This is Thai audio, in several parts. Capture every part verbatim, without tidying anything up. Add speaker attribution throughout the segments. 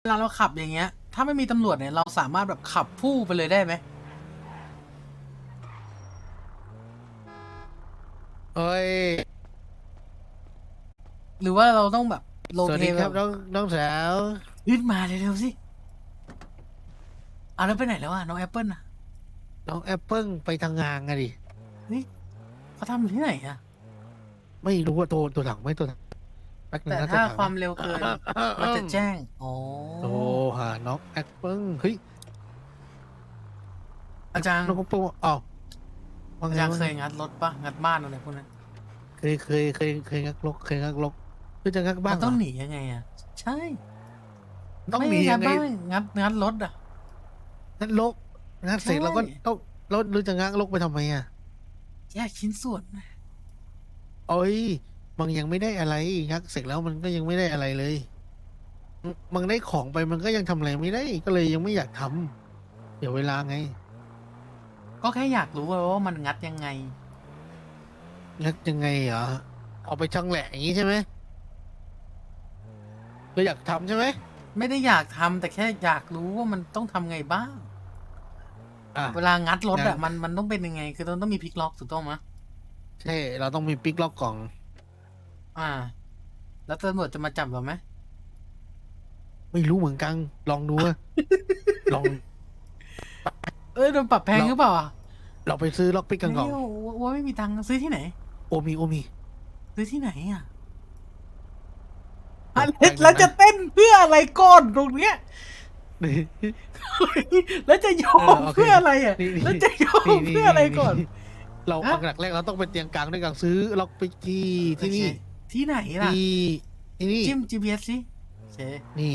Speaker 1: เวลาเราขับอย่างเงี้ย ถ้าไม่มีตำรวจเนี่ยเราสามารถแบบขับพุ่งไปเลยได้ไหม
Speaker 2: เอ้ย
Speaker 1: หรือว่าเราต้องแบบโรล
Speaker 2: สวั
Speaker 1: เพลย์แบบ
Speaker 2: สดีครับน้องน้องสาว
Speaker 1: ยืดมาเร็วๆสิเอาแล้วไปไหนแล้วอะน้องแอปเปิลอะ
Speaker 2: น้องแอปเปิลไปทางงานอะดิ
Speaker 1: เฮ้ยเขาทำอยู่ที่ไหนอะ
Speaker 2: ไม่รู้ว่าโทรตัวหลังไม่ตัวหลังแป๊บนึง
Speaker 1: แต่
Speaker 2: นะตัวหลังนะ
Speaker 1: ถ้าความเร็วเกินมันจะแจ้งอ๋อ
Speaker 2: โทรหาน้องแอปเปิลเฮ้ย
Speaker 1: อาจารย์
Speaker 2: น้องแอปเปิลอ้าวว่า
Speaker 1: อาจารย์
Speaker 2: ไงว่าไง
Speaker 1: เคยงัดรถปะงัดบ้านอะไรพวกนั้น
Speaker 2: เคยเคยเคยเคยงักลกเคยงักลกเพื่อจะงักบ้างเหรอ
Speaker 1: มันต้องหนียังไงอะใช่
Speaker 2: ต้อง
Speaker 1: ไม่
Speaker 2: หนียังไง
Speaker 1: งัดบ้านงัดงัดรถอะ
Speaker 2: งักลกงักเส
Speaker 1: ใช่
Speaker 2: ร็จเราก็ต้องแล้วหรือจะงักลกไปทำไมอ่ะ
Speaker 1: แยกชิ้นส่วน
Speaker 2: โอ้ยมันยังไม่ได้อะไรงักเสร็จแล้วมันก็ยังไม่ได้อะไรเลยมมันได้ของไปมันก็ยังทำอะไรไม่ได้ก็เลยยังไม่อยากทำเดี๋ยวเวลาไง
Speaker 1: ก็แค่อยากรู้ว่ามันงัดยังไง
Speaker 2: งัดยังไงเหรอเอาไปชั่งแหละอย่างนี้ใช่ไหมเราอยากทำใช่ไหม
Speaker 1: ไม่ได้อยากทำแต่แค่อยากรู้ว่ามันต้องทำไงบ้าง
Speaker 2: อ่ะ
Speaker 1: เวลางัดรถ
Speaker 2: งั้น
Speaker 1: อะมันมันต้องเป็นยังไงคือต้องต้องมีพลิกล็อกถูกต้องไหมย
Speaker 2: ใช่เราต้องมีปิ๊กล็อกกล่อง
Speaker 1: อ่าแล้วตำรวจจะมาจับเราไหม
Speaker 2: ไม่รู้เหมือนกันลองดูอะลอง
Speaker 1: เอ้ยโดนปรับแพง
Speaker 2: เรา
Speaker 1: หรือเปล่าอ่ะ
Speaker 2: เราไปซื้อล็อกปิ๊กกัน
Speaker 1: ไม่
Speaker 2: ก่อน
Speaker 1: โอ้ว่าไม่มีตังค์ซื้อที่ไหน
Speaker 2: โอมีโอมี
Speaker 1: ซื้อที่ไหนอ่ะอั
Speaker 2: เดี๋ยว
Speaker 1: น
Speaker 2: แป๊บนึงนะ
Speaker 1: แล้วจะเต้นเพื่ออะไรก่อนตรงเนี้ย
Speaker 2: นี่
Speaker 1: แล้วจะยอ
Speaker 2: เออ
Speaker 1: ม
Speaker 2: โอเค
Speaker 1: เพื่ออะไรอ่ะ
Speaker 2: นี่นี่
Speaker 1: แล้วจะยอ
Speaker 2: นี่
Speaker 1: ม
Speaker 2: นี่
Speaker 1: เพื่ออะไร
Speaker 2: นี่นี่
Speaker 1: ก่อน
Speaker 2: เรา
Speaker 1: ฮะ
Speaker 2: อันดับแรกเราต้องไปเตียงกลางด้วยกันซื้อล็อกปิ๊กที่
Speaker 1: โอเค
Speaker 2: ที่นี่
Speaker 1: ที่ไหนล่ะ
Speaker 2: ที่ที่นี่
Speaker 1: จิ้ม จี พี เอส สิโอเค
Speaker 2: นี่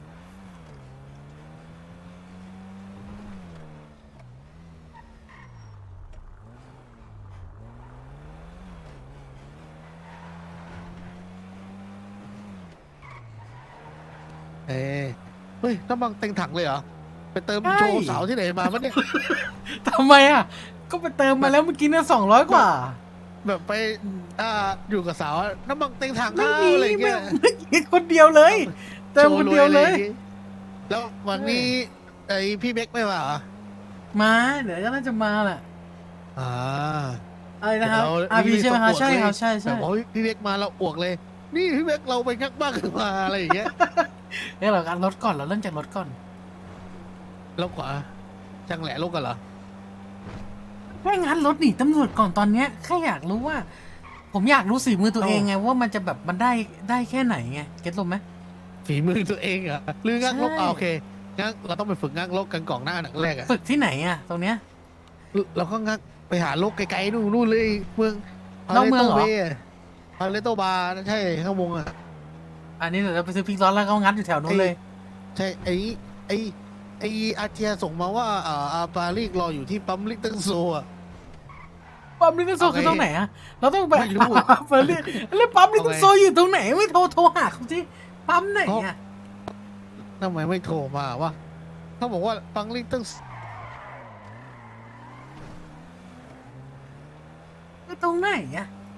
Speaker 2: เอ้ยเฮ้ยน้ำมันเต็งถังเลยเหรอไปเติม
Speaker 1: ใช่
Speaker 2: โชว์สาวที่ไหนมาปะเนี่ย
Speaker 1: ทำไมอ่ะก็ไปเติมมาแล้วเมื่อกี้เนี่ยสองร้อยกว่า
Speaker 2: แบบไปอ่าอยู่กับสาวอะน้ำมันเต็งถัง
Speaker 1: ไม่
Speaker 2: ข้า
Speaker 1: มี
Speaker 2: วอะไร
Speaker 1: ไม่
Speaker 2: เงี้ย
Speaker 1: ไม่มีคนเดียวเลยเติม
Speaker 2: โชว์
Speaker 1: คน
Speaker 2: รว
Speaker 1: เดียวเลย
Speaker 2: อะไรอางงี้แล้ววันนี้ไอพี่เบ๊กไม่มาเหรอ
Speaker 1: มาเดี๋ยวก็น่าจะมาแหละ
Speaker 2: อ่า
Speaker 1: อะไรนะครับ
Speaker 2: เดี๋ยวเรา
Speaker 1: อาร์ พี
Speaker 2: รีบ
Speaker 1: ใช่ไหมครับ
Speaker 2: ๆต้องอวกเลย
Speaker 1: ใช่ครับใช่
Speaker 2: แบ
Speaker 1: ใช่
Speaker 2: บว่าเฮ้ยพี่เบ๊กมาเราอวกเลย นี่พี่เบ๊กเราไปงักบ้านกันมาอะไรอย่างเงี้ย
Speaker 1: เดี๋ยวเราการรถก่อนเราเริ่มจากรถก่อน
Speaker 2: แล้วกว่าช่างแหละลูกกันเหรอ
Speaker 1: แม่งั้นรถหนีตำรวจก่อนตอนเนี้ยแค่อยากรู้ว่า ผมอยากรู้สีมือตัวเองไงว่ามันจะแบบมันได้ได้แค่ไหนไงเก็ตลมไหม
Speaker 2: ฝีมือตัวเองเหรอหรืองักลก
Speaker 1: ใช่
Speaker 2: อ่าโอเคงักเราต้องไปฝึกงักลกกันก่อนหน้าหนังแรกอะ
Speaker 1: ฝึกที่ไหนอ่ะตรงเนี้ย
Speaker 2: เราก็งักไปหาลกไกลๆนู่นนู่นเลยเมืองพาน
Speaker 1: อก
Speaker 2: เลโต
Speaker 1: เมืองเหรอ
Speaker 2: เบย์พาเลโตบาร์ใช่ข้างวงอะ
Speaker 1: อันนี้เดี๋ยวเราไปซื้อพริกร้อนแล้วก็งัดอยู่แถวนู้นเลย
Speaker 2: ใช่ไอ้ไอ้ไอ้อาเจียส่งมาว่าอ่าอาปารีกรออยู่ที่ปั๊มลิตเติ้ลโซอ่ะ
Speaker 1: ปั๊มลิตเติ้ลโซ
Speaker 2: เอาไง
Speaker 1: คือตรงไหนอะเราต้องไป
Speaker 2: ไม่รู้
Speaker 1: เฟอร์รี่แล้วปั๊มลิตเติ้ลโซอยู่ตรงไหนไม่โทรโทรหาเขาสิปั๊มไหนอะ
Speaker 2: ทำไมไม่โทรมาวะเขาบอกว่าปั๊มลิตเติ้ล
Speaker 1: ก็ตรงไหนอะ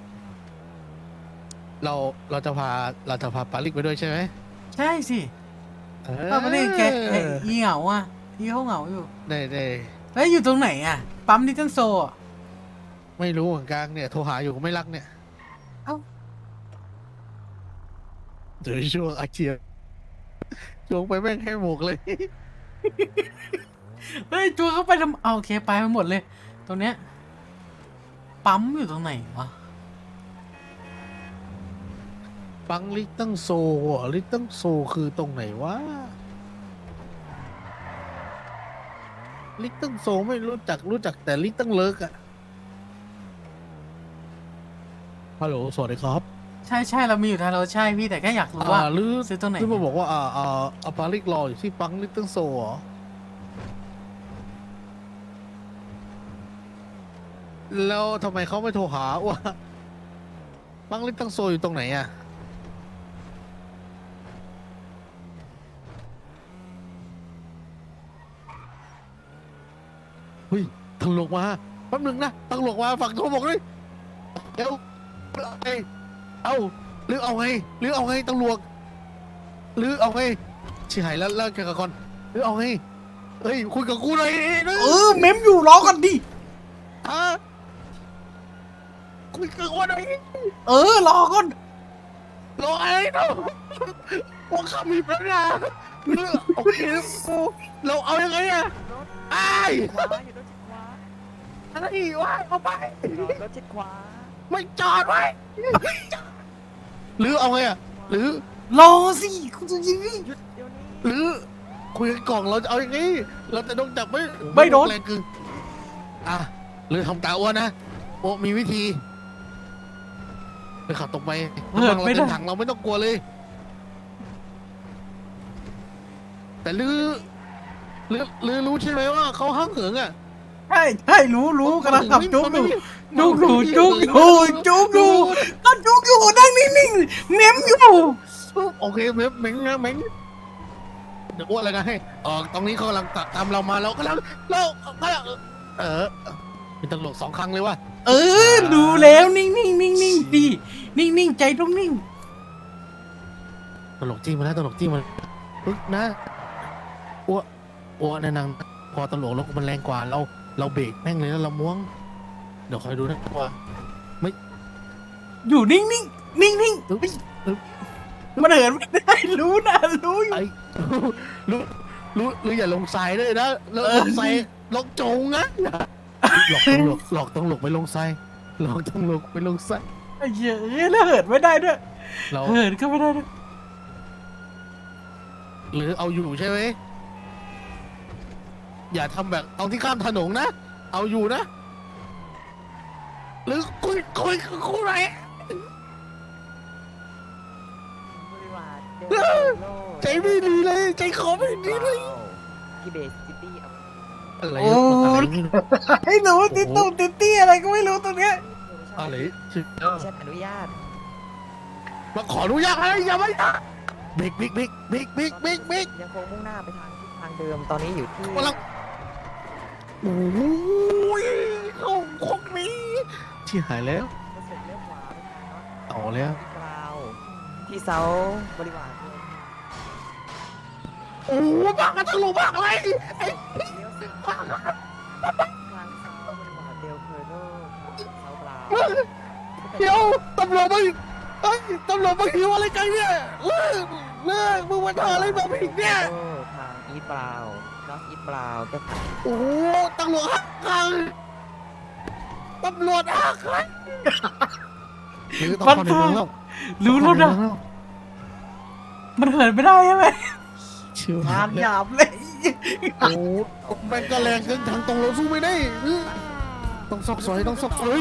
Speaker 2: เราเราจะพาเราจะพาปารีกไปด้วยใช่ไหม
Speaker 1: ใช่สิ
Speaker 2: เอ
Speaker 1: ป้าประเด็นแกเอ้ย
Speaker 2: อ
Speaker 1: อีเหงาอ่ะอีเขาเหงาอยู่
Speaker 2: ได้ได้
Speaker 1: แล้วอยู่ตรงไหนอ่ะปั๊มลิตเติ้ลโซอ่ะ
Speaker 2: ไม่รู้เหมือนกันเนี่ยโทรหาอยู่ก็ไม่รักเนี่ย
Speaker 1: เอ้า
Speaker 2: เดี๋ยวช่วงอาเจียช่วงไปแม่งให้หมกเลย
Speaker 1: เฮ้ยจูเข้าไปทำเอาโอเคไปมาหมดเลยตรงเนี้ยปั๊มอยู่ตรงไหนวะ
Speaker 2: ปังลิตเติ้ลโซอ่ะลิตเติ้ลโซคือตรงไหนวะลิตเติ้ลโซไม่รู้จักรู้จักแต่ลิตเติ้ลเลิกอะฮัลโหลสวัสดีครับ
Speaker 1: ใช่ใช่เรามีอยู่ทางเราใช่พี่แต่แค่อยากรู้ว่า
Speaker 2: อ่าหรือ
Speaker 1: ซื้อตรงไหน
Speaker 2: ที่มาบอกว่าอ่าอ่าอาปาริกรออยู่ที่ปังลิตเติ้ลโซเหรอแล้วทำไมเขาไม่โทรหาว่าปังลิตเติ้ลโซอยู่ตรงไหนอ่ะเฮ้ยตำรวจมาแป๊บหนึงนะตำรวจมาฝั่งโทรบอกเลยเดี๋ยวเอาไงเอาหรือเอาไงหรือเอาไงตำรวจหรือเอาไงชิหายแล้วเลิกกันก่อนเฮ้ยเอาไงเฮ้ยคุยกับกูหน่อยนะ
Speaker 1: เออเมมอยู่รอก่อนดิ
Speaker 2: ฮะคุยกับกูหน่อย
Speaker 1: เออรอก่อน
Speaker 2: รออะไรเนาะว่าข้ามีปัญหาโอเคกูเราเอายังไงอะไอ้
Speaker 3: ขวาอยู่รถชิดขวา
Speaker 2: อะไรวะเอาไป
Speaker 3: จอดรถชิดขวา
Speaker 2: ไม่จอดไว้หรือเอาไงอะหรือ
Speaker 1: รอสิคุณจะยิงดิ
Speaker 3: หยุดเดี๋ยวนี้
Speaker 2: หรือคุยกันกล่องเราจะเอาอย่างนี้ เราจะโดนจับไหม
Speaker 1: ไม่โดน
Speaker 2: แรงกึ่งอ่ะหรือทำตาอ้วนนะโอ้มีวิธีไปขับตรงไป
Speaker 1: เหิน
Speaker 2: เรา
Speaker 1: ไม่
Speaker 2: เต็
Speaker 1: ได้
Speaker 2: มถังเราไม่ต้องกลัวเลย แต่ลือลือลือรู้ใช่ไหมว่าเขาห้างเหิงอ่ะ
Speaker 1: ใช่ใช่รู้รู้กำลังขับจุก
Speaker 2: มัน
Speaker 1: อ
Speaker 2: ไม่
Speaker 1: ยู่
Speaker 2: มัน
Speaker 1: จุก
Speaker 2: ไม่
Speaker 1: อยู่
Speaker 2: มันไม่
Speaker 1: จุกอยู่จุกอยู่ก็จุกอยู่นั่งนิ่งๆเมมอยู่
Speaker 2: โอเคเม้งเม้งนะเม้งเดี๋ยวอ้วนอะไรกันให้เออตรงนี้เขากำลังตามเรามาเรากำลังเรากำลังเออเป็นตลกสองครั้งเลยว่ะ
Speaker 1: เออดูแล้วนิ่งๆนิ่งๆนิ่งๆดินิ่งๆใจต้องนิ่ง
Speaker 2: ตลกจริงมาแล้วตลกจริงมาปึ๊กนะอ้วอ้วในนางพอตลกรถมันแรงกว่าเราเราเบรกแม่งเลยแล้วเราม้วง เดี๋ยวคอยดูนะว่า
Speaker 1: อยู่นิ่งๆนิ่งๆ
Speaker 2: ปึ๊บปึ๊บ
Speaker 1: มันเหินไม่ได้รู้นะรู้อยู่
Speaker 2: ไอ้รู้รู้รู้อย่าลงทรายด้วยนะแล้วลงทรายลงจงนะหลอกต้องหลอกหลอกต้องหลกไปลงทรายหลอกต้องหลกไปลงทราย
Speaker 1: ไอ้เหี้ยเอ้ยแล้วเหินไม่ได้ด้วย
Speaker 2: เรา
Speaker 1: เหินก็ไม่ได้ด้วย
Speaker 2: หรือเอาอยู่ใช่ไหมอย่าทำแบบตอนที่ข้ามถนนนะ เอาอยู่นะ หรือคุยคุยคุยอะไร
Speaker 3: บริวารเดินโลด
Speaker 2: ใจไม่ดีเลย ใจคอไม่ดีเลย
Speaker 3: ที่เบสซิตี้เอา
Speaker 2: อะไร
Speaker 1: โอ้
Speaker 2: อะไรไม่รู้
Speaker 1: ให้หนูติดตุ่มติดตี้อะไรก็ไม่รู้ตรงเนี้ย
Speaker 2: อะไรชื่อ
Speaker 3: ไม่ใช่อนุญาต
Speaker 2: มาขออนุญาตอะไรอย่าไม่ได้บิ๊กบิ๊กบิ๊กบิ๊กบิ๊กบิ๊กบิ๊ก
Speaker 3: ยังคงมุ่งหน้าไปทางทิศทางเดิมตอนนี้อยู่ที่
Speaker 2: กำลังโอ้ยเขาคงมีที่หายแล้ว
Speaker 3: รถเสร็จเลี้ยวขวาไปทางน็อต
Speaker 2: เอาแล้ว
Speaker 3: กราวที่เสาบริวารเดิม
Speaker 2: โอ้บ้ากันตลกบ้าอะไรไอ้
Speaker 3: เลี้ยวซ้ายทางเสาบริวารเดลเพอร์โลทางเสากราว
Speaker 2: เดี๋ยวตำรวจมาเฮ้ยตำรวจมาหิวอะไรกันเนี่ยเลิกเลิกมึงมาทำอะไรแบบนี้เนี่ย
Speaker 3: ทางอีทบราวน์นอตอีทบราวน์ก็
Speaker 2: โอ้โหตำรวจหักกันตำรวจหักกันหรือต้องเข้าในเมืองแล้ว
Speaker 1: รู้แล้วนะมันเหินไม่ได้ใช่ไหม
Speaker 2: เชื่อ
Speaker 1: ทางหยาบเลย
Speaker 2: โอ้แม่งก็แรงเกินทางตรงเราสู้ไม่ได้ต้องซอกซอยต้องซอกซอย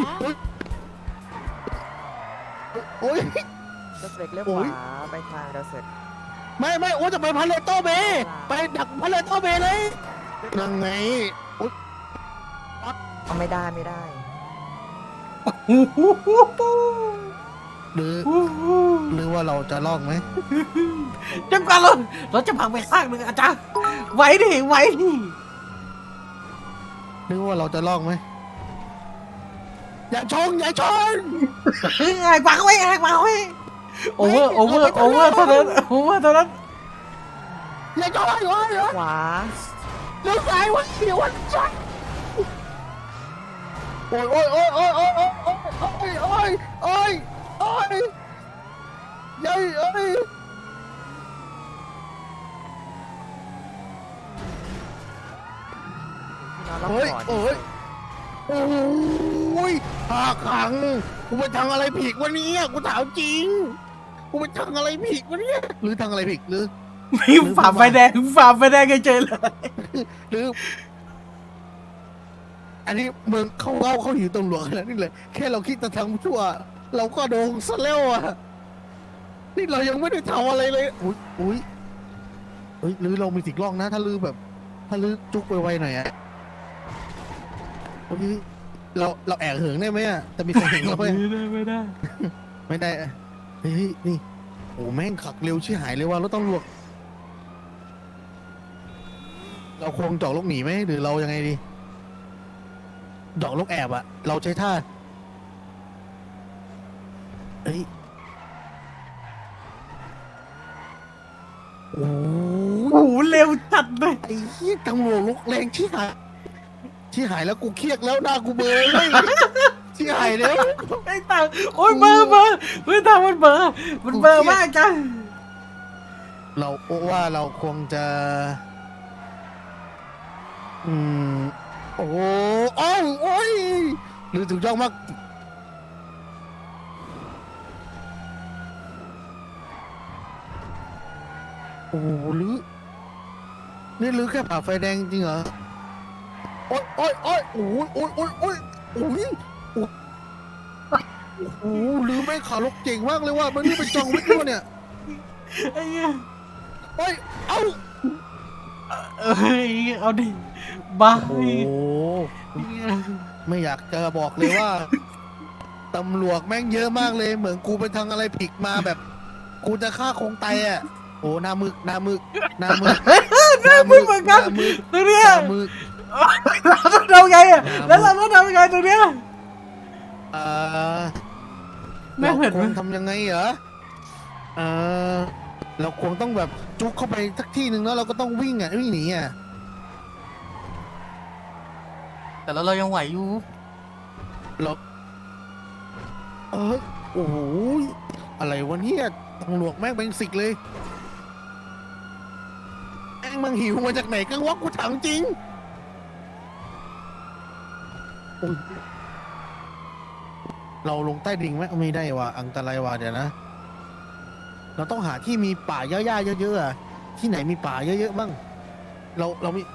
Speaker 2: โอ้ย
Speaker 3: รถเสร็จเลี้ยว
Speaker 2: โอ้
Speaker 3: ข
Speaker 2: ย
Speaker 3: วาไปทางเดลเสร็จ
Speaker 2: ไม่ไม่โอ้จะไปพาเลโต้เบย์ไปดักพาเลโต้เบย์เลยนั่งไงโอ๊ย
Speaker 3: เอาไม่ได้ไม่ได้
Speaker 2: หรือหรือว่าเราจะลอกไหม
Speaker 1: จำกันเลยเราจะพังไปข้างหนึ่งอาจารย์ไหวดิไหวดิ
Speaker 2: หรือว่าเราจะลอกไหมอย่าชงอย่าชน
Speaker 1: ไอ้ปังไว้ไอ้ปังไว้โอเวอร์โอเวอร์โอเวอร์เท่านั้นโอเวอร์เท่านั้น
Speaker 2: อย่าชนอย่าชน
Speaker 3: ขวา
Speaker 2: เลี้ยวซ้ายวันเดียววันซ้ายโอ้ยโอ้ยโอ้ยโอ้ยโอ้ยโอ้ยโอ้ยโอ้ยโอ้ยยัยเอ้ย
Speaker 3: ที่นอนรับ
Speaker 2: เฮ้ย
Speaker 3: ก่อน
Speaker 2: โอ้ยโอ้ยหาขังกูไปทางอะไรผิดวะเนี่ยกูถามจริงกูไปทางอะไรผิดวะเนี่ยหรือทางอะไรผิดหรือ
Speaker 1: มีฝ่าไฟแดงฝ่าไฟแดงให้เจอเลย
Speaker 2: หรือ อันนี้เมืองเขาเล่าเขาหิวตำรวจขนาดนี้เลย แค่เราคิดแต่ทางชั่ว เราก็โดนซะแล้วอ่ะ นี่เรายังไม่ได้ทำอะไรเลย อุ้ยอุ้ยเฮ้ยหรือเรามีสิกล่องนะ ถ้าลือแบบ ถ้าลือจุกไวๆหน่อยอะโอ้ยเราเราแอบเหิงได้ไหมอะจะมีใครเห็นเราไหม
Speaker 1: ไม่ได้ไม่ได้
Speaker 2: ไม่ได้อะเฮ้ยนี่โอ้แม่งขับเร็วชิบหายเลยว่ะรถตำรวจเราคงจอกลูกหนีไหมหรือเรายังไงดีดอกลูกแอบอะเราใช้ท่าเฮ้ยโอ้
Speaker 1: ร็วจัดเลย
Speaker 2: ไอ้เหี้ยตำรวจลุกแรงชี้หายชี้หายแล้วกูเครียดแล้วหน้ากูเบลอเลยชี้หายแล้ว
Speaker 1: ไอ้ต่างโอ้ยเบอร์เบอร์เฮ้ยต่างมันเบอร์มันเบอร์มากจัง
Speaker 2: เราว่าเราคงจะ อืม โอ้โหโอ้ยโอ้ยหรือถูกต้องมากโอ้โหหรือนี่หรือแค่ผ่าไฟแดงจริงเหรอ โอ้ยโอ้ยโอ้ยโอ้ยโอ้ยโอ้ยโอ้ยโอ้ยโอ้โหหรือไม่ขาลกเก่งมากเลยว่ามันนี่เป็นจองวิทย์เนี่ย
Speaker 1: ไอ้เหี้ย
Speaker 2: โอ้ย เอ้า
Speaker 1: เอ้ยเอาดิบ้า
Speaker 2: โอ้โห ไม่อยากจะบอกเลยว่า ตำรวจแม่งเยอะมากเลย เหมือนกูไปทางอะไรผิดมาแบบ กูจะฆ่าคงไตอ่ะ โอ้หน้ามึกหน้ามึกหน้ามึก
Speaker 1: หน้ามึงเหมือนกัน
Speaker 2: หน้ามึก
Speaker 1: ตรง
Speaker 2: ห
Speaker 1: เนี้ย
Speaker 2: น้ามึก
Speaker 1: เราต้องทำไงอ่ะแล้วเราต้องทำยังไงตรงเนี้ย
Speaker 2: เอ่อ
Speaker 1: แม่
Speaker 2: เรา
Speaker 1: งเห็น
Speaker 2: ค
Speaker 1: ไหม
Speaker 2: งทำยังไงเหรอเออเราคงต้องแบบจุกเข้าไปสักที่หนึ่งแล้วเราก็ต้องวิ่งอ่ะวิ่งหนีอ่ะ
Speaker 1: แต่เราเรายังไหวอยู่
Speaker 2: เราเออโอ้โหอะไรวะเนี่ยตำรวจแม่งเป็นสิกเลยแม่งมึงหิวมาจากไหนกันวะกูถามจริงโอ้ยเราลงใต้ดิ่งไหมไม่ได้ว่ะอันตรายว่ะเดี๋ยวนะ เราต้องหาที่มีป่าหญ้าๆเยอะๆอะที่ไหนมีป่าเยอะๆบ้าง เราเรามี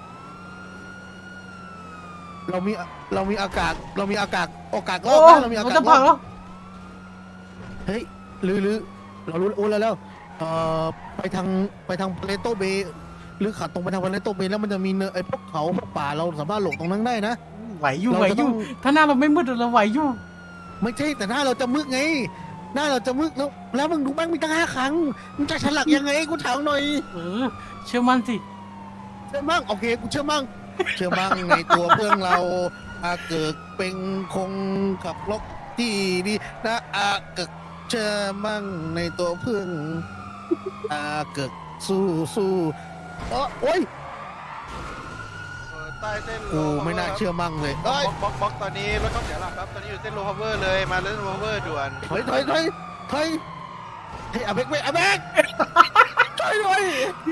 Speaker 2: เรามีเรามีอากาศ เรามีอากาศโอกาสร
Speaker 1: โอ้
Speaker 2: อบนะเรามีอา
Speaker 1: มัน
Speaker 2: กาศ
Speaker 1: จะ
Speaker 2: ร
Speaker 1: พั
Speaker 2: อง บ
Speaker 1: แล้ว
Speaker 2: เฮ้ยหรือหรือเรารู้โอ้แล้วแล้วเอ่อไปทางไปทางพาเลโตเบย์หรือขัดตรงไปทางพาเลโตเบย์แล้วมันจะมีเนินไอ้พวกเขาพวกป่าเราสามารถหลบตรงนั้นได้นะ
Speaker 1: ไหวอยู่
Speaker 2: เรา
Speaker 1: ไหว
Speaker 2: จะ
Speaker 1: อ
Speaker 2: ต้
Speaker 1: ยู่
Speaker 2: อง
Speaker 1: ถ้าหน้าเราไม่มืดเราไหวอยู่
Speaker 2: ไม่ใช่แต่หน้าเราจะมึกไง หน้าเราจะมึกแล้วแล้วมึงดูแม่งมีตั้งห้าครั้งมึงจะฉลักยังไงกูถามหน่อย
Speaker 1: เออเชื่อมั่นสิ
Speaker 2: เชื่อมั่งโอเคกูเชื่อมั่งเชื่อมั่งในตัวเพื่อนเราอาเกิดเป็นคงขับรถที่ดีนะอาเกิดเชื่อมั่งในตัวเพื่อนอาเกิดสู้สู้เออโอ้ย
Speaker 4: เออใต้เส้นโล
Speaker 2: กูไม่น่าเชื่อมั่งเลย
Speaker 4: บล็
Speaker 2: เอ้
Speaker 4: อก
Speaker 2: ย
Speaker 4: บล็อกบล็อกตอนนี้รถเขาเสียหลักครับ ตอนนี้อยู่เส้นโลพาวเวอร์เลย มาเส้นโลพาวเวอร์ด่วน
Speaker 2: ถอยถอยถอยถอยเฮ้ยอาเบกเว้ยอาเบกช่วยหน่อย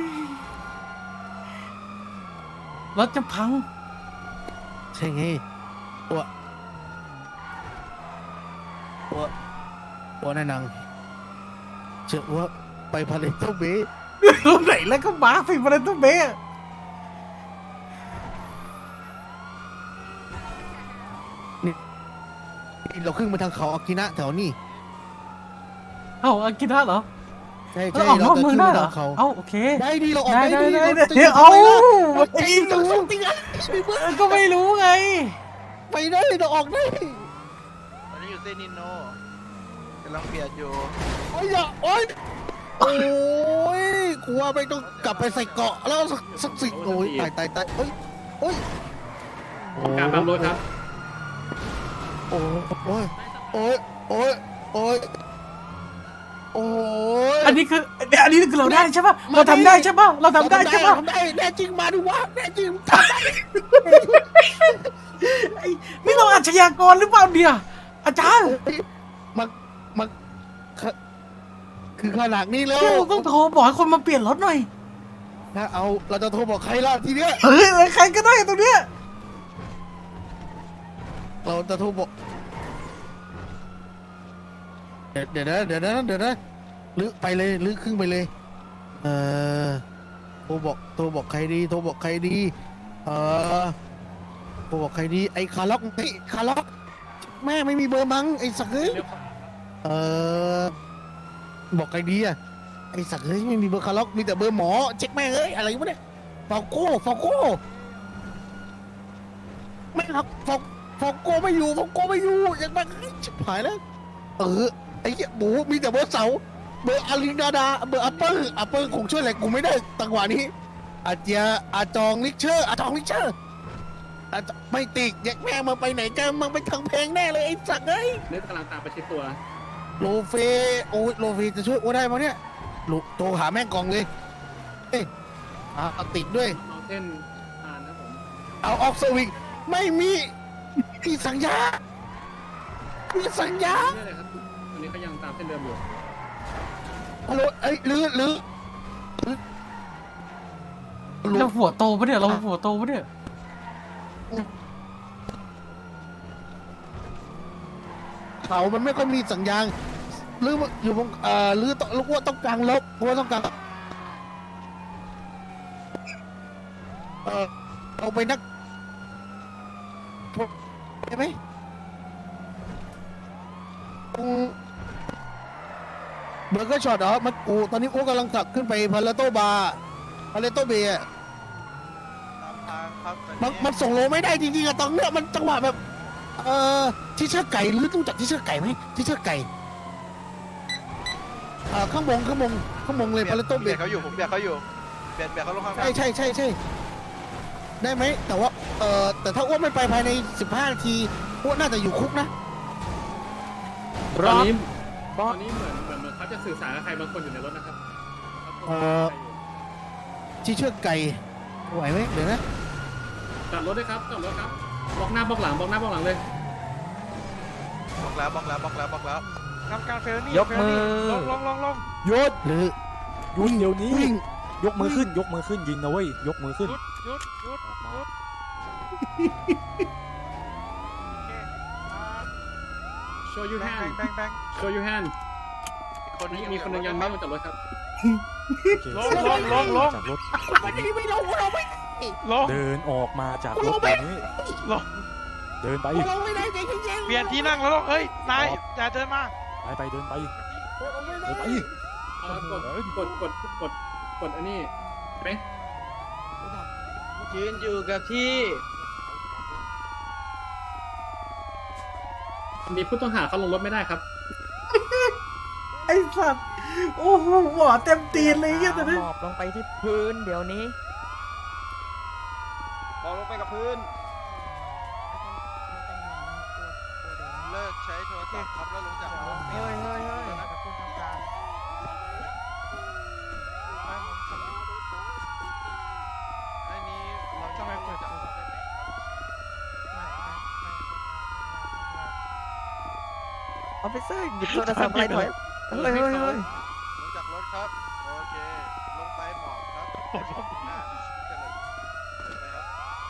Speaker 1: รถจะพัง
Speaker 2: ใช่ไงตัวตัวตัวในหนังเชื่อว่าไปพาเลโตเบย์
Speaker 1: ตรงไหนแล้วก็บ้าไปมาเลยตัวเบ้
Speaker 2: นี่เราขึ้นมาทางเขาอากินะแถวนี้
Speaker 1: เอ้าอากินะเหรอ
Speaker 2: ใช่
Speaker 1: เรา
Speaker 2: ใช่
Speaker 1: ออกน
Speaker 2: เรา
Speaker 1: อก
Speaker 2: จะ
Speaker 1: เมือง
Speaker 2: ขึ้น
Speaker 1: ได้
Speaker 2: มา
Speaker 1: เหรอ
Speaker 2: ทางเขา
Speaker 1: เอ้าโอเค
Speaker 2: ได้ดีเราออก
Speaker 1: ได้
Speaker 2: ได้
Speaker 1: ได้
Speaker 2: ดี
Speaker 1: ได้
Speaker 2: เราจะ
Speaker 1: เดี๋ยว
Speaker 2: ทำ
Speaker 1: เอา
Speaker 2: ไมล่ะ
Speaker 1: ไม่
Speaker 2: ไอ้ตัว
Speaker 1: รู้
Speaker 2: จริงอ่ะ
Speaker 1: เออก็ไม่รู้ไง
Speaker 2: ไปได้เราออกได้
Speaker 4: ตอนนี้อยู่เส้นนินโนกำลังเบียดอยู่
Speaker 2: โอ้ยอย่าโอ้ยโอ้ยกลัวไปต้องกลับไปใส่เกาะแล้วสักสักสิโอ้ยตายตายตายเอ้ยเอ้ย
Speaker 5: การปั๊มรถครับ
Speaker 2: โอ้ยโอ้ยโอ้ยโอ้ยโอ้ย
Speaker 1: อันนี้คืออันนี้คือเราได้ใช่ป่ะเราทำได้ใช่ป่ะเราทำได้ใช่ป่ะ
Speaker 2: ทำได้แน่จริงมาดูวะแน่จริง
Speaker 1: ไอ้นี่เราอาชญากรหรือเปล่าเดียอาจารย์
Speaker 2: มันมันคือขนาดนี้แล้ว
Speaker 1: เราต้องโทรบอกให้คนมาเปลี่ยนรถหน่อย
Speaker 2: ถ้าเอาเราจะโทรบอกใครล่ะทีเนี้ย
Speaker 1: เฮ้ยใครก็ได้ตรงเนี้ย
Speaker 2: เราจะโทรบอกเดี๋ยวเดี๋ยวนะเดี๋ยวนะเดี๋ยวนะลึกไปเลยลึกขึ้นไปเลยเออโทรบอกโทรบอกใครดีโทรบอกใครดีเออโทรบอกใครดีไอ้คาร์ล็อกไอ้คาร์ล็อกแม่ไม่มีเบอร์มั้งไอ้สักเอ้ยเออบอกใครดีอะไอ้สักเอ้ยไม่มีเบอร์คาร์ล็อกมีแต่เบอร์หมอเช็คแม่งเอ้ยอะไรวะเนี่ยฟาโก้ฟาโก้ไม่ครับฟาฟาโก้ไม่อยู่ฟาโก้ไม่อยู่ยังแม่งเฮ้ยชิบหายแล้วเออไอ้เหี้ยหมูมีแต่เบอร์เสาเบอร์อารินดาดาเบอร์อัปเปอร์อัปเปอร์คงช่วยอะไรกูไม่ได้ตังหวะนี้อาเจียอาจองลิเชอร์อาจองลิเชอร์อาจไม่ติดแยกแม่งมาไปไหนกันมึงไปทางเพลงแน่เลยไอ้สักเอ้ย
Speaker 5: นึกกำลังตามไปเช็คตัว
Speaker 2: โลเฟโอ้ยโลเฟจะช่วยโอ้ได้ปะเนี่ยโลโทรหาแม่งกองเลยเอ้ยอ่าเอาติดด้วย
Speaker 5: เอาเส้นผ่านนะผม
Speaker 2: เอาออกสวิงไม่มีมีสัญญามีสัญญา
Speaker 5: นี่เลยครับตอนนี้เขายังตามเส้นเดิมอยู่
Speaker 2: ฮัลโหลเอ้ยหรือหรือหรือ
Speaker 1: เราหัวโตปะเนี่ยเราหัวโตปะเนี่ย
Speaker 2: เขามันไม่ค่อยมีสัญญาณหรือว่าอยู่บนเอ่อหรือต้องหรือว่าต้องกลางลบเพราะว่าต้องกลางเออเอาไปนักใช่ไหมอืมเบอร์เกอร์ช็อตเหรอมันกูตอนนี้กูกำลังขับขึ้นไปพาเลโตบาร์พาเลโตเบย์
Speaker 4: ตามทางครับตอน
Speaker 2: มัน
Speaker 4: นี้
Speaker 2: มันส่งโลไม่ได้จริงๆอะตอนเนี้ยมันจังหวะแบบ เอ่อที่เชือกไก่หรือรู้จักที่เชือกไก่ไหมที่เชือกไก่เอ่อข้างบงข้างบงข้างบงเลยพาเลโต
Speaker 4: ผม
Speaker 2: เบ
Speaker 4: เบีย
Speaker 2: ย์
Speaker 4: ดเขาอยู่ผมเบียดเขาอยู่เบียดเบียดเขาลงข้าง
Speaker 2: ใช่ใช่ใช่ใช่ได้ไหมแต่ว่าเอ่อแต่ถ้าอ้วนไม่ไปภายในสิบห้านาทีอ้วนน่าจะอยู่คุกนะ
Speaker 5: ตอนนี้ตอนนี้เหมือนเหมือนเหมือนเขาจะสื่อสารกับใครบางคนอยู่ในรถนะครับ
Speaker 2: เอ่อ ที่เชือกไก่ไหวไหมเดี๋ยวนะ
Speaker 5: จอดรถด้วยครับจอดรถครับบล็อกหน้าบล็อกหลังบล็อกหน้าบล็อกหลังเลย
Speaker 4: บอกแล้วบอกแล้วบอกแล้วบอกแล้วกำการเฟลนี่
Speaker 3: ยกมือ
Speaker 4: ลงลงลงลง
Speaker 6: หยุด
Speaker 2: หรือ
Speaker 6: หยุดเดี๋ยวนี้
Speaker 2: วิ่ง
Speaker 6: ยกมือขึ้น ยกมือขึ้นยิงนะเว้ย ยกมือขึ้น
Speaker 4: หยุดหยุดหยุดหยุดโอเคอ่า
Speaker 5: show your
Speaker 4: แบง
Speaker 5: hand
Speaker 4: แบงแบง
Speaker 5: show your hand
Speaker 4: อีกคนนึง
Speaker 5: มีคนหนึงยังไม่ลงจากรถครับ
Speaker 6: โอเค
Speaker 4: ลงลงลงลง
Speaker 6: จากรถ
Speaker 2: ไม่ไม่ลงเราไม่
Speaker 4: ลง
Speaker 6: เดินออกมาจากรถ
Speaker 2: ลง
Speaker 6: ต
Speaker 2: ไป
Speaker 6: รงนี้
Speaker 4: ลง
Speaker 6: เดินไป
Speaker 2: เราไม่ได้ใจเย็นๆ
Speaker 4: เปลี่ยนที่นั่งแล้วลงเอ้ยนายอย่าเดินมา
Speaker 6: ไปไปเดินไป
Speaker 2: เราไม่
Speaker 6: เดิ
Speaker 2: ได้
Speaker 6: นไป
Speaker 5: เอ่อกดกดกดกดกดอันนี้ไหม
Speaker 3: ยืนอยู่กับที่
Speaker 5: มีผู้ต้องหาเขาลงรถไม่ได้ครับ
Speaker 1: ไอ้สัตว์โอ้โหหัวเต็มตีนเลยเหี้ยแต่
Speaker 3: ห
Speaker 1: เนี่ย
Speaker 3: มอบลงไปที่พื้นเดี๋ยวนี้
Speaker 4: บอกลงไปกับพื้น เลิกใช้โทรศัพท์ครับแล้วลงจากรถ
Speaker 3: เฮ้ยเฮ้ยเฮ้ย
Speaker 4: กับคุณทำการไม่ผมทำอันนี้เราจะไม่เปิดจากโทรศัพท์ได้ไหมครับไม่ไม่ไม่
Speaker 3: ออฟฟิเซอร์หยิบโทรศัพท์อะไรถอยเฮ้ยเฮ้ยเฮ้ย
Speaker 4: ลงจากรถครับ โอเค ลงไปหมอบครับหมอบหน้าเจริญเดินไปครับ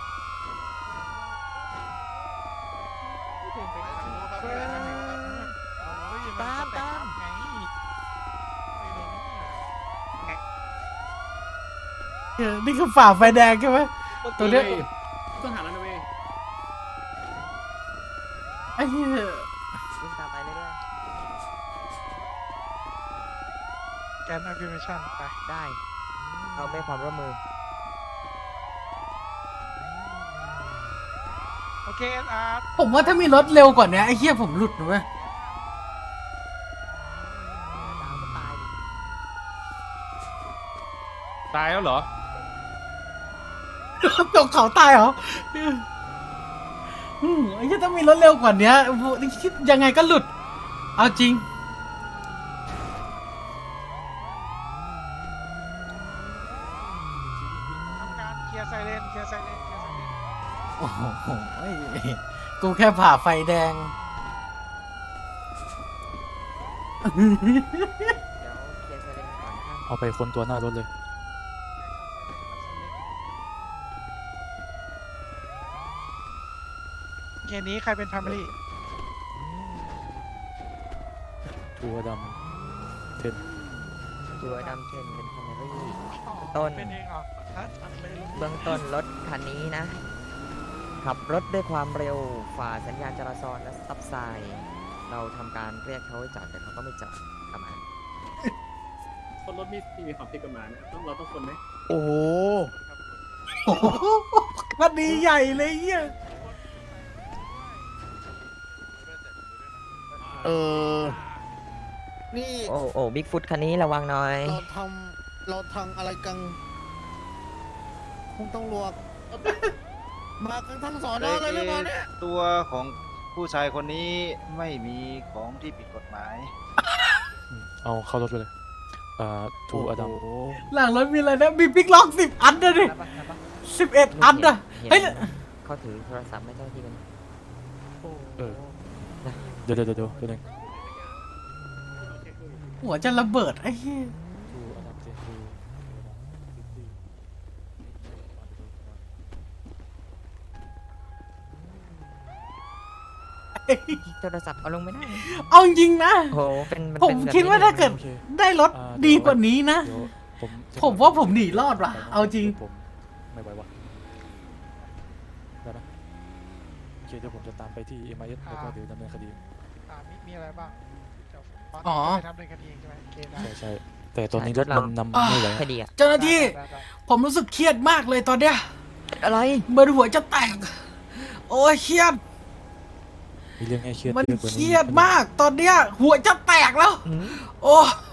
Speaker 4: ไปทางโน้นครับไปทางโน้นครับเอาเฮ้ยน
Speaker 3: ตามตาม
Speaker 4: ไงไม่ลงนี่
Speaker 1: เออนี่คือฝ่าไฟแดงใช่ไหมตัวเนี้ย
Speaker 5: ผู้ต้องหาแล้วนะเว้ย
Speaker 1: ไอ้เหี้ย
Speaker 3: วิ่งตามไปเรื่อย
Speaker 4: แกนแอปพลิเคชันไป
Speaker 3: ๆได้เอาไม่ความร่วมมือ
Speaker 4: โอเคอาร์ต
Speaker 1: ผมว่าถ้ามีรถเร็วกว่านี้ไอ้เหี้ยผมหลุดนะเว้ย
Speaker 3: ดาวก็ตายดิ
Speaker 6: ตายแล้วเหรอ
Speaker 1: ตกเขาตายเหรออืมไอ้เหี้ยถ้ามีรถเร็วกว่านี้คิดยังไงก็หลุด เอาจริง
Speaker 4: ทำการเคลียร์ไซเรนเคลียร์ไซเรนเคลียร์ไซเรน
Speaker 1: โอ้โหกูแค่ผ่าไฟแดง
Speaker 3: เดี๋ยวเคลียร์ไซเรนก่อนครับ
Speaker 6: เอาไปคนตัวหน้ารถเลย
Speaker 4: เกมนี้ใครเป็นแฟมิลี่
Speaker 6: ตัวดำเทน
Speaker 3: ตัวดำเทนเป็นแฟมิลี่ต้น
Speaker 4: เป็นเองเหรอฮะไม่รู้
Speaker 3: เบื้องต้นรถคันนี้นะ ขับรถด้วยความเร็วฝ่าสัญญาณจราจรและสต็อปไซน์เราทำการเรียกเขาให้จอดแต่เขาก็ไม่จอดกลับมา
Speaker 5: คนรถมีมีความผิดกฎหมายนะครับต้องเราต้องคนไหม
Speaker 2: โอ้โห
Speaker 1: โอ้โหคดีใหญ่เลยเหี้ย
Speaker 2: เออ นี่
Speaker 3: โอ้โอ้บิ๊กฟุตคันนี้ระวังหน่อย
Speaker 2: เราทำเราทำอะไรกันคงต้องรวกมากันทั้งสอนอเลยหรือเปล่าเนี่ย
Speaker 7: ตัวของผู้ชายคนนี้ไม่มีของที่ผิดกฎหมาย
Speaker 6: เอาเข้ารถไปเลยอ่าทูอดัม
Speaker 2: โอ้โห
Speaker 1: หลังรถมีอะไรนะมีปิกล็อกสิบอันนะดิสิบเอ็ดอันนะ
Speaker 3: เห็น
Speaker 1: เฮ้ย
Speaker 3: เขาถือโทรศัพท์ไม่เจ้าหน้าที่กัน
Speaker 6: เออเดี๋ยวเดี๋ยวเดี๋ยวเดี๋ยวเดี๋ยว
Speaker 1: หัวจะระเบิดไอ้เหี้ย
Speaker 6: ทูอดัมเจนทู
Speaker 3: โทรศัพท์เอาลงไม่ได้
Speaker 1: เอาจริงๆนะ
Speaker 3: โอ้โหเป็นน
Speaker 1: ผม
Speaker 3: เป็นแบบ
Speaker 1: คิดว่า
Speaker 3: นี้
Speaker 1: ถ้า
Speaker 3: ลย
Speaker 1: เกิดได้รถดีกว่านี้นะ
Speaker 6: เดี๋ยวผมจะ
Speaker 1: ผมว่าผมหนีรอดว่ะเอาจริง
Speaker 6: ผมไม่ไหวว่ะได้ปะโอเคเดี๋ยวผมจะตามไปที่ เอ็ม ไอ เอส แล้วก็เดี๋ยวดำเนินคดี
Speaker 8: อ่ามีมีอะไรบ้างเดี๋ยว
Speaker 1: อ๋อ
Speaker 8: ไปทำเนินคดีเองใช่ไหมโอเคได้
Speaker 6: ใช่ใช่แต่ตอนนี้รถมันนำไม่ไหว
Speaker 3: คดีอะ
Speaker 1: เจ้าหน้าที่
Speaker 8: ได้ได้ได้
Speaker 1: ผมรู้สึกเครียดมากเลยตอนเนี้ย
Speaker 3: อะไร
Speaker 1: เหมือนหัวจะแตก โอ้ยเครียด
Speaker 6: มีเรื่องให้เครียด
Speaker 1: มัน
Speaker 6: เยอะกว่า
Speaker 1: เครียดมากตอนเนี้ยหัวจะแตกแล้ว
Speaker 3: อืม
Speaker 1: โอ้ย